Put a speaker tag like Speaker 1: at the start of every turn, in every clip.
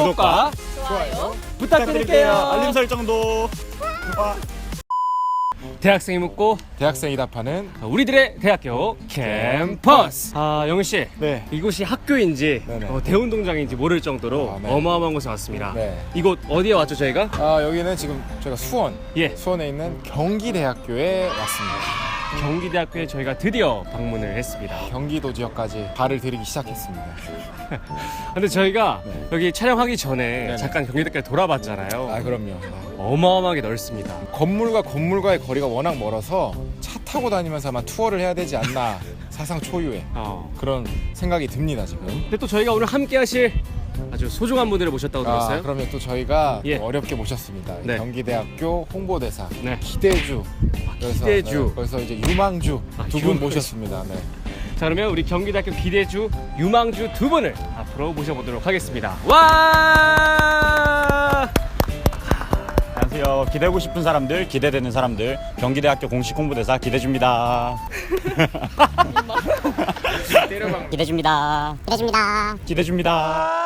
Speaker 1: 구독과
Speaker 2: 좋아요
Speaker 1: 부탁드릴게요.
Speaker 2: 알림 설정도.
Speaker 1: 대학생이 묻고
Speaker 3: 대학생이 답하는
Speaker 1: 우리들의 대학교 캠퍼스. 영희 씨,
Speaker 3: 네.
Speaker 1: 이곳이 학교인지
Speaker 3: 네네.
Speaker 1: 대운동장인지 모를 정도로
Speaker 3: 네.
Speaker 1: 어마어마한 곳에 왔습니다.
Speaker 3: 네.
Speaker 1: 이곳 어디에 왔죠 저희가?
Speaker 3: 여기는 지금 저희가
Speaker 1: 예.
Speaker 3: 수원에 있는 경기대학교에 왔습니다.
Speaker 1: 경기대학교에 저희가 드디어 방문을 했습니다.
Speaker 3: 경기도 지역까지 발을 들이기 시작했습니다.
Speaker 1: 근데 저희가
Speaker 3: 네.
Speaker 1: 여기 촬영하기 전에
Speaker 3: 네네.
Speaker 1: 잠깐 경기대학교 돌아봤잖아요.
Speaker 3: 그럼요.
Speaker 1: 어마어마하게 넓습니다.
Speaker 3: 건물과 건물과의 거리가 워낙 멀어서 차 타고 다니면서만 투어를 해야 되지 않나 사상 초유의 그런 생각이 듭니다 지금.
Speaker 1: 근데 또 저희가 오늘 함께 하실 아주 소중한 분들을 모셨다고 들었어요.
Speaker 3: 그러면 또 저희가
Speaker 1: 예.
Speaker 3: 또 어렵게 모셨습니다.
Speaker 1: 네.
Speaker 3: 경기대학교 홍보대사
Speaker 1: 네.
Speaker 3: 기대주.
Speaker 1: 기대주.
Speaker 3: 그래서 이제 유망주 두 분
Speaker 1: 유망주.
Speaker 3: 모셨습니다. 네.
Speaker 1: 자, 그러면 우리 경기대학교 기대주, 유망주 두 분을 앞으로 모셔보도록 하겠습니다. 와!
Speaker 2: 안녕하세요. 기대고 싶은 사람들, 기대되는 사람들, 경기대학교 공식 홍보대사 기대줍니다.
Speaker 4: 기대줍니다. 기대줍니다.
Speaker 2: 기대줍니다.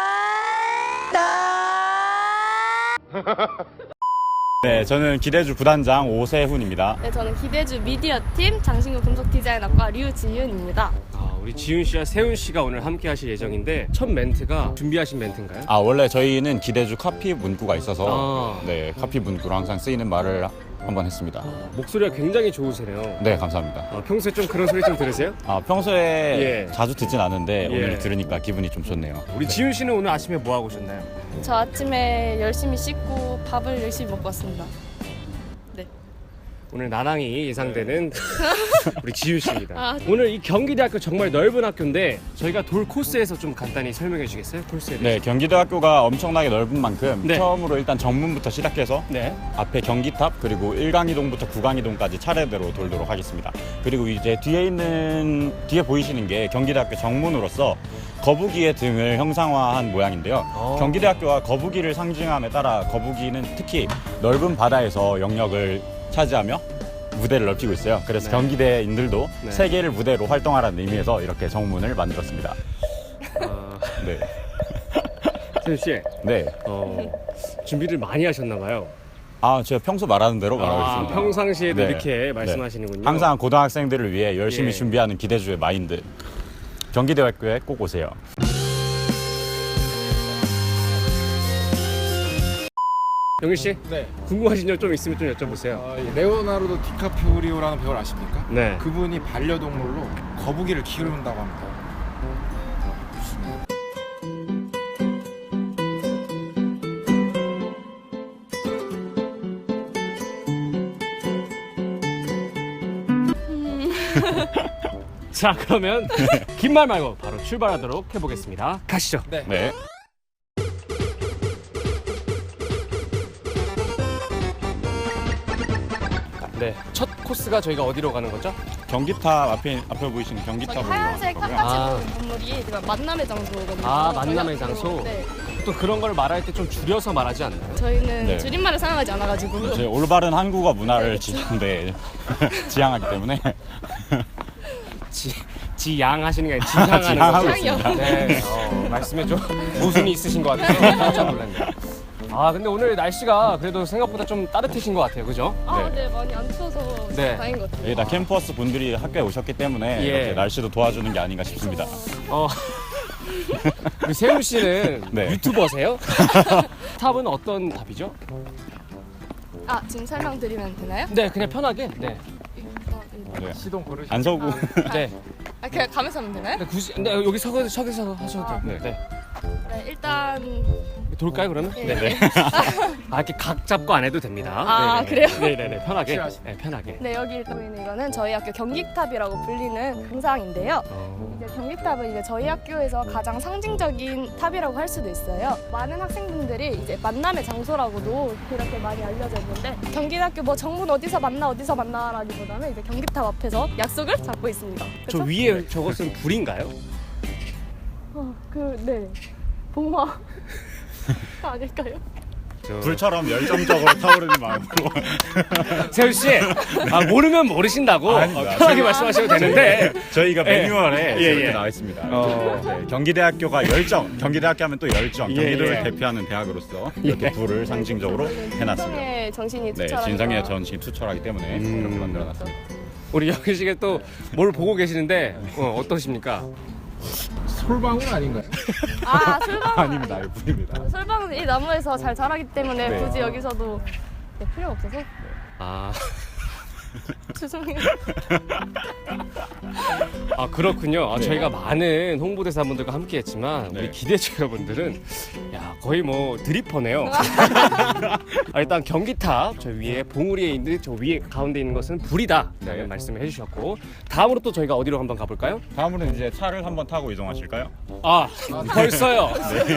Speaker 2: 네, 저는 기대주 부단장 오세훈입니다.
Speaker 5: 네, 저는 기대주 미디어팀 장신구 금속 디자인학과 류지윤입니다.
Speaker 1: 우리 지윤 씨와 세훈 씨가 오늘 함께 하실 예정인데 첫 멘트가 준비하신 멘트인가요?
Speaker 2: 원래 저희는 기대주 카피 문구가 있어서
Speaker 1: 아.
Speaker 2: 네, 카피 문구로 항상 쓰이는 말을 한번 했습니다.
Speaker 1: 목소리가 굉장히 좋으시네요.
Speaker 2: 네, 감사합니다.
Speaker 1: 평소에 좀 그런 소리 좀 들으세요?
Speaker 2: 평소에
Speaker 1: 예.
Speaker 2: 자주 듣진 않은데
Speaker 1: 예.
Speaker 2: 오늘 들으니까 기분이 좀 좋네요.
Speaker 1: 우리 지윤 씨는 오늘 아침에 뭐 하고 오셨나요?
Speaker 5: 저 아침에 열심히 씻고 밥을 열심히 먹고 왔습니다. 네.
Speaker 1: 오늘 나랑이 예상되는 우리 지윤 씨입니다.
Speaker 5: 아.
Speaker 1: 오늘 이 경기대학교 정말 넓은 학교인데 저희가 돌 코스에서 좀 간단히 설명해 주시겠어요? 코스에 대해서.
Speaker 2: 네, 경기대학교가 엄청나게 넓은 만큼
Speaker 1: 네.
Speaker 2: 처음으로 일단 정문부터 시작해서
Speaker 1: 네.
Speaker 2: 앞에 경기탑 그리고 1강이동부터 9강이동까지 차례대로 돌도록 하겠습니다. 그리고 이제 뒤에 보이시는 게 경기대학교 정문으로서 거북이의 등을 형상화한 모양인데요. 경기대학교가 거북이를 상징함에 따라 거북이는 특히 넓은 바다에서 영역을 차지하며 무대를 넓히고 있어요. 그래서
Speaker 1: 네.
Speaker 2: 경기대인들도
Speaker 1: 네.
Speaker 2: 세계를 무대로 활동하라는 의미에서 이렇게 정문을 만들었습니다. 네.
Speaker 1: 세훈 씨,
Speaker 2: 네.
Speaker 1: 준비를 많이 하셨나 봐요.
Speaker 2: 제가 평소 말하는 대로 말하고 있습니다.
Speaker 1: 평상시에도
Speaker 2: 네.
Speaker 1: 이렇게 말씀하시는군요.
Speaker 2: 항상 고등학생들을 위해 열심히
Speaker 1: 예.
Speaker 2: 준비하는 기대주의 마인드. 경기대학교에 꼭 오세요.
Speaker 1: 영희 씨,
Speaker 3: 네.
Speaker 1: 궁금하신 점 좀 있으면 좀 여쭤보세요.
Speaker 3: 레오나르도 디카프리오라는 배우를 아십니까?
Speaker 1: 네.
Speaker 3: 그분이 반려동물로 거북이를 키운다고 합니다.
Speaker 1: 자, 그러면 긴 말 말고 바로 출발하도록 해보겠습니다. 가시죠.
Speaker 2: 네.
Speaker 1: 네. 첫 코스가 저희가 어디로 가는 거죠?
Speaker 2: 경기탑 앞에 보이시는
Speaker 5: 저기
Speaker 2: 경기탑으로
Speaker 5: 하얀색
Speaker 2: 가는 거고요.
Speaker 5: 깎아지는 건물이 만남의 장소거든요.
Speaker 1: 만남의 장소?
Speaker 5: 네.
Speaker 1: 또 그런 걸 말할 때 좀 줄여서 말하지 않나요?
Speaker 5: 저희는
Speaker 2: 네.
Speaker 5: 줄임말을 사용하지 않아가지고.
Speaker 2: 이제 올바른 한국어 문화를
Speaker 5: 네,
Speaker 2: 지향하기 때문에
Speaker 1: 지양 하시는 게 아니라 지향하는
Speaker 2: 지향하고
Speaker 1: 거죠?
Speaker 2: 있습니다.
Speaker 1: 네. 말씀에 좀 모순이 있으신 것 같아서 깜짝 놀랐네요. 근데 오늘 날씨가 그래도 생각보다 좀 따뜻해진 것 같아요. 그죠?
Speaker 5: 네, 많이 안 추워서
Speaker 1: 네.
Speaker 5: 다행인 것 같아요.
Speaker 2: 여기다 캠퍼스 분들이 학교에 오셨기 때문에
Speaker 1: 예.
Speaker 2: 이렇게 날씨도 도와주는 게 아닌가 싶습니다.
Speaker 1: 우리 세훈 씨는
Speaker 2: 네.
Speaker 1: 유튜버세요? 탑은 어떤 탑이죠?
Speaker 5: 지금 설명드리면 되나요?
Speaker 1: 네, 그냥 편하게. 네.
Speaker 2: 네.
Speaker 3: 시동 걸으시.
Speaker 2: 안서구.
Speaker 1: 네.
Speaker 5: 그냥 가면서 하면 되나요?
Speaker 1: 근데 여기 서서 하셔도 돼요.
Speaker 2: 네.
Speaker 1: 네.
Speaker 5: 네, 일단
Speaker 1: 돌까요 그러면?
Speaker 5: 네.
Speaker 1: 이렇게 각 잡고 안 해도 됩니다. 네네네.
Speaker 5: 그래요?
Speaker 1: 네네네. 편하게.
Speaker 3: 확실하시네.
Speaker 1: 네, 편하게.
Speaker 5: 네, 여기 보이는 이거는 저희 학교 경기탑이라고 불리는 금상인데요. 이제 경기탑은 이제 저희 학교에서 가장 상징적인 탑이라고 할 수도 있어요. 많은 학생분들이 이제 만남의 장소라고도 그렇게 많이 알려져 있는데 경기대학교 뭐 정문 어디서 만나라기보다는 이제 경기탑 앞에서 약속을 잡고 있습니다.
Speaker 1: 저
Speaker 5: 그쵸?
Speaker 1: 위에 저것은 불인가요?
Speaker 5: 네. 봉화 아닐까요?
Speaker 2: 불처럼 열정적으로 타오르는 마음으로.
Speaker 1: 세훈 씨, 모르면 모르신다고
Speaker 2: 아닙니다.
Speaker 1: 편하게 말씀하셔도 되는데.
Speaker 2: 저희가 매뉴얼에
Speaker 1: 예,
Speaker 2: 이렇게
Speaker 1: 예.
Speaker 2: 나와 있습니다.
Speaker 1: 어.
Speaker 2: 네, 경기대학교가 열정, 경기대학교 하면 또 열정,
Speaker 1: 예,
Speaker 2: 경기도를
Speaker 1: 예.
Speaker 2: 대표하는 대학으로서 이렇게 불을 상징적으로 해놨습니다.
Speaker 5: 진성의 정신이
Speaker 2: 네,
Speaker 5: 투철하니까.
Speaker 2: 진성의 전신이 투철하기 때문에 이렇게 만들어놨습니다.
Speaker 1: 우리 영희 씨가 또 뭘 보고 계시는데 어떠십니까?
Speaker 3: 솔방울 아닌가요?
Speaker 5: 아 솔방울
Speaker 2: 아닙니다, 이거 불입니다.
Speaker 5: 솔방울은 이 나무에서 잘 자라기 때문에
Speaker 2: 네.
Speaker 5: 굳이 여기서도 필요가 없어서
Speaker 1: 아,
Speaker 5: 죄송해요.
Speaker 1: 그렇군요.
Speaker 2: 네.
Speaker 1: 저희가 많은 홍보대사분들과 함께했지만
Speaker 2: 네.
Speaker 1: 우리 기대주 여러분들은 거의 뭐 드리퍼네요. 일단 경기탑 저 위에 봉우리에 있는 저 위에 가운데 있는 것은 불이다.
Speaker 2: 네.
Speaker 1: 말씀을 해주셨고 다음으로 또 저희가 어디로 한번 가볼까요?
Speaker 2: 다음으로는 이제 차를 한번 타고 이동하실까요?
Speaker 1: 벌써요.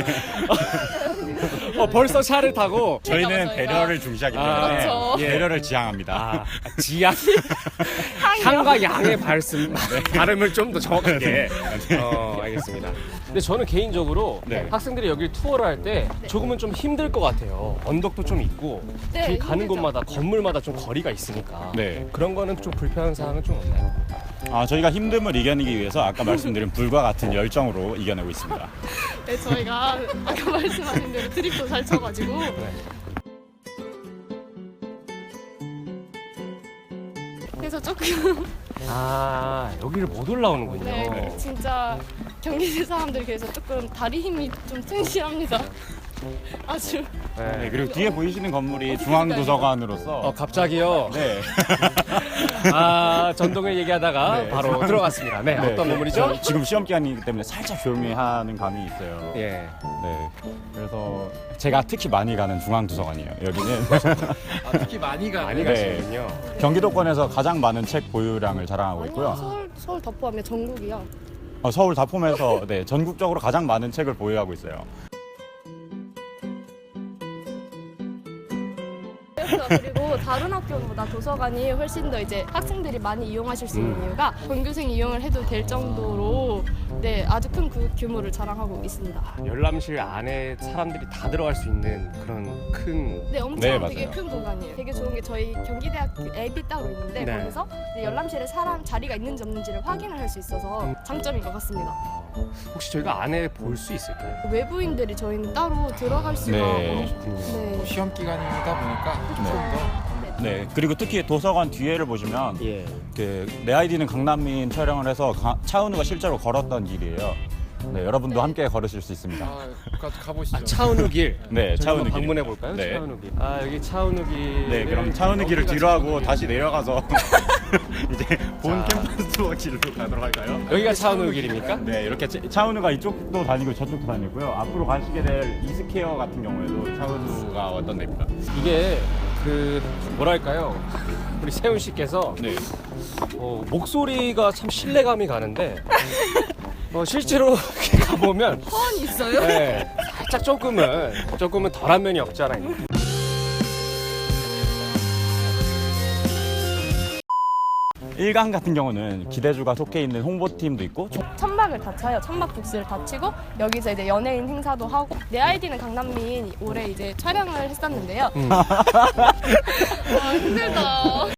Speaker 1: 벌써 차를 타고
Speaker 2: 저희는 배려를 중시하기 때문에
Speaker 5: 그렇죠.
Speaker 1: 예.
Speaker 2: 배려를 지향합니다.
Speaker 1: 지향 향과 양의 발음을 좀 더 정확하게 알겠습니다. 근데 저는 개인적으로
Speaker 2: 네.
Speaker 1: 학생들이 여기를 투어를 할 때 조금은 좀 힘들 것 같아요. 언덕도 좀 있고
Speaker 5: 네,
Speaker 1: 길 가는
Speaker 5: 힘들죠.
Speaker 1: 곳마다 건물마다 좀 거리가 있으니까
Speaker 2: 네.
Speaker 1: 그런 거는 좀 불편한 사항은 좀 없나요?
Speaker 2: 저희가 힘듦을 이겨내기 위해서 아까 말씀드린 불과 같은 열정으로 이겨내고 있습니다.
Speaker 5: 네, 저희가 아까 말씀하신 대로 드립도 잘 쳐가지고 그래서 조금
Speaker 1: 여기를 못 올라오는군요.
Speaker 5: 네, 진짜 경기대 사람들이 그래서 조금 다리 힘이 좀 튼실합니다. 아주
Speaker 2: 네, 그리고 뒤에 보이시는 건물이 중앙도서관으로서
Speaker 1: 갑자기요.
Speaker 2: 네.
Speaker 1: 전동을 얘기하다가
Speaker 2: 네.
Speaker 1: 바로 들어갔습니다. 네,
Speaker 2: 네,
Speaker 1: 어떤 건물이죠?
Speaker 2: 지금 시험 기간이기 때문에 살짝 조용히 하는 감이 있어요.
Speaker 1: 예.
Speaker 2: 네. 그래서 제가 특히 많이 가는 중앙도서관이에요. 여기는
Speaker 3: 특히 많이 가.
Speaker 1: 많이
Speaker 2: 네.
Speaker 1: 가시는군요.
Speaker 2: 경기도권에서 가장 많은 책 보유량을 자랑하고 있고요.
Speaker 5: 서울 덮어하면 전국이요.
Speaker 2: 서울 다 포함해서 네, 전국적으로 가장 많은 책을 보유하고 있어요.
Speaker 5: 그리고 다른 학교보다 도서관이 훨씬 더 이제 학생들이 많이 이용하실 수 있는 이유가 본교생 이용을 해도 될 정도로 네 아주 큰 규모를 자랑하고 있습니다.
Speaker 1: 열람실 안에 사람들이 다 들어갈 수 있는 그런 큰
Speaker 5: 네, 엄청
Speaker 2: 네,
Speaker 5: 되게
Speaker 2: 맞아요.
Speaker 5: 큰 공간이에요. 되게 좋은 게 저희 경기대학교 앱이 따로 있는데
Speaker 1: 네.
Speaker 5: 거기서 이제 열람실에 사람 자리가 있는지 없는지를 확인을 할 수 있어서 장점인 것 같습니다.
Speaker 1: 혹시 저희가 안에 볼 수 있을까요?
Speaker 5: 외부인들이 저희는 따로 들어갈 수가
Speaker 2: 네.
Speaker 5: 네.
Speaker 3: 시험 기간이다 보니까 좀 더.
Speaker 2: 네. 그리고 특히 도서관 뒤에를 보시면
Speaker 1: 예.
Speaker 2: 내 아이디는 강남민 촬영을 해서 차은우가 실제로 걸었던 길이에요. 네, 여러분도 함께 걸으실 수 있습니다.
Speaker 3: 가보시죠.
Speaker 1: 차은우 길.
Speaker 2: 네,
Speaker 1: 저희
Speaker 2: 차은우
Speaker 1: 한번
Speaker 2: 길.
Speaker 1: 방문해 볼까요?
Speaker 2: 네.
Speaker 1: 차은우 길. 여기 차은우 길.
Speaker 2: 네, 그럼 차은우 길을 뒤로 하고 다시 내려가서 이제 본 캠퍼스 투어 길로 가도록 할까요?
Speaker 1: 여기가 차은우 길입니까?
Speaker 2: 네, 이렇게 차은우가 이쪽도 다니고 저쪽도 다니고요. 앞으로 가시게 될 이스케어 같은 경우에도 차은우가 왔던 데입니다.
Speaker 1: 이게 뭐랄까요? 우리 세훈 씨께서
Speaker 2: 네.
Speaker 1: 목소리가 참 신뢰감이 가는데 실제로 이렇게 가보면
Speaker 5: 허언이 있어요?
Speaker 1: 네, 살짝 조금은 덜한 면이 없지 않아 있는.
Speaker 2: 일강 같은 경우는 기대주가 속해 있는 홍보팀도 있고
Speaker 5: 천막을 다 쳐요. 천막 북스를 다 치고 여기서 이제 연예인 행사도 하고 내 아이디는 강남민 올해 이제 촬영을 했었는데요. 힘들다.